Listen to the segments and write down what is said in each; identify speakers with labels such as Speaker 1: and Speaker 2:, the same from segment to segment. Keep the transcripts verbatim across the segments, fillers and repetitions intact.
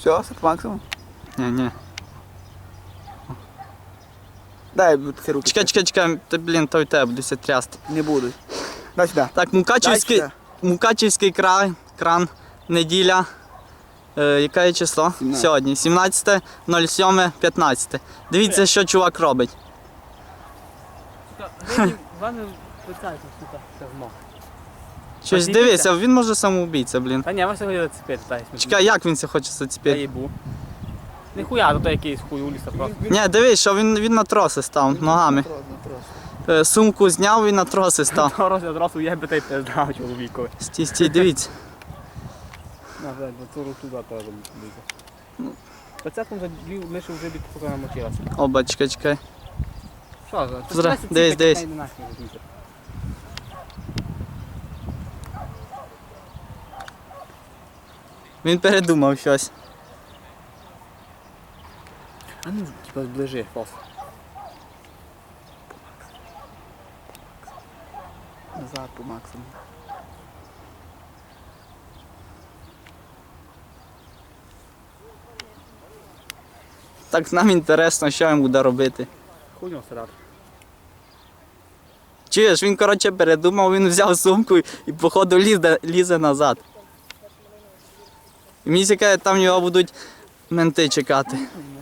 Speaker 1: Все, сет максимум?
Speaker 2: Ні, ні.
Speaker 1: Дай ці руки.
Speaker 2: Чекай, чекай, чекай, ти, блін, той тебе будеться трясти.
Speaker 1: Не будуть. Дай сюди.
Speaker 2: Так, Мукачівський,
Speaker 1: Дай
Speaker 2: Мукачівський край, кран, неділя. Е, яке є число?
Speaker 1: сімнадцяте.
Speaker 2: Сьогодні. сімнадцяте сьоме п'ятнадцяте. Дивіться, що чувак робить.
Speaker 3: Вони питаються, сука, це змог.
Speaker 2: Щось
Speaker 3: Подивіться.
Speaker 2: дивися, він може самоубійця, блін.
Speaker 3: Та ні, ви сьогодні зацепити, питаюся.
Speaker 2: Чекай, як він це хоче
Speaker 3: Я
Speaker 2: зацепити?
Speaker 3: їбу. Ніхуя, то якийсь хуй у ліса просто.
Speaker 2: Ні, дивись, що він, він на троси став ногами. Е, Сумку зняв і на троси став.
Speaker 3: То розгляд раз уєбе та й пизда чоловікові.
Speaker 2: Стій, стій, дивіться.
Speaker 3: На, блядь, бо цю руку теж буде. Пацятком вже дві миші вже бід поки намочилася.
Speaker 2: Оба, чекай, чекай.
Speaker 3: Що за?
Speaker 2: Зра-
Speaker 3: Це
Speaker 2: дивись,
Speaker 3: ці
Speaker 2: дивись.
Speaker 3: такі нахер розумієте.
Speaker 2: Він передумав щось.
Speaker 3: А ну, типа, зближи, фос.
Speaker 1: Назад по максимуму.
Speaker 2: Так нам інтересно, що він буде робити.
Speaker 3: Хуйню срати.
Speaker 2: Чуєш, він, коротше, передумав, він взяв сумку і, походу, лізе, лізе назад. І мені цікаво, там його будуть менти чекати.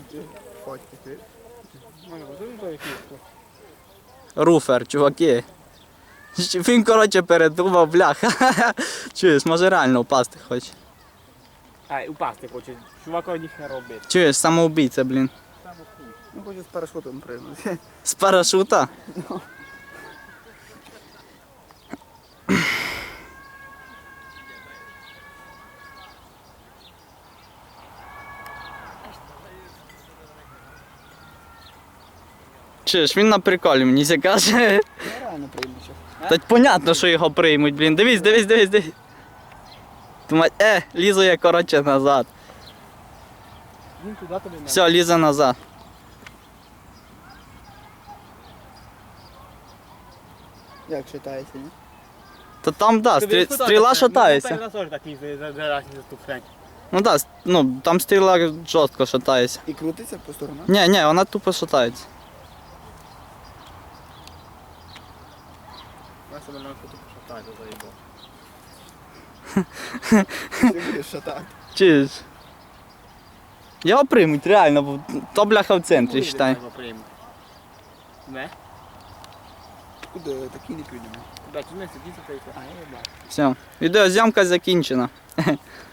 Speaker 2: Руфер, чуваки. Він, коротше, передумав, бляха. Чуєш, може реально впасти хоче.
Speaker 3: Ай, упасти хоче. Чувака ніхера робити.
Speaker 2: Чуєш, самоубійця, блін.
Speaker 1: Ну, хочу з парашутом пригнути.
Speaker 2: З парашута? Чуєш, він на приколі мені це каже.
Speaker 1: Я реально прийму щас.
Speaker 2: Та понятно, що його приймуть, блін. Дивись, дивись, дивись, дивись. Думаю, е, лізу я, коротше, назад.
Speaker 3: Він туди тобі не.
Speaker 2: Все, лізе назад.
Speaker 1: Як читається, ні?
Speaker 2: Та там, да, стрі... стріла шатається.
Speaker 3: Ну, теж так їздить, зараз за ту хрень.
Speaker 2: Ну так, да, ну, там стріла жорстко шатається.
Speaker 1: І крутиться по сторонам.
Speaker 2: Ні, ні, вона тупо шатається.
Speaker 3: Я себе на фото пошатаю, заїбав.
Speaker 1: Ти будеш шатати.
Speaker 2: Чуєш? Його приймуть, реально, бо то бляха в центрі, считай.
Speaker 3: Не?
Speaker 1: Куди такі не підемо?
Speaker 3: Да, тут не сидіти, та й це. А, я бачу.
Speaker 2: Все, відеозйомка закінчена.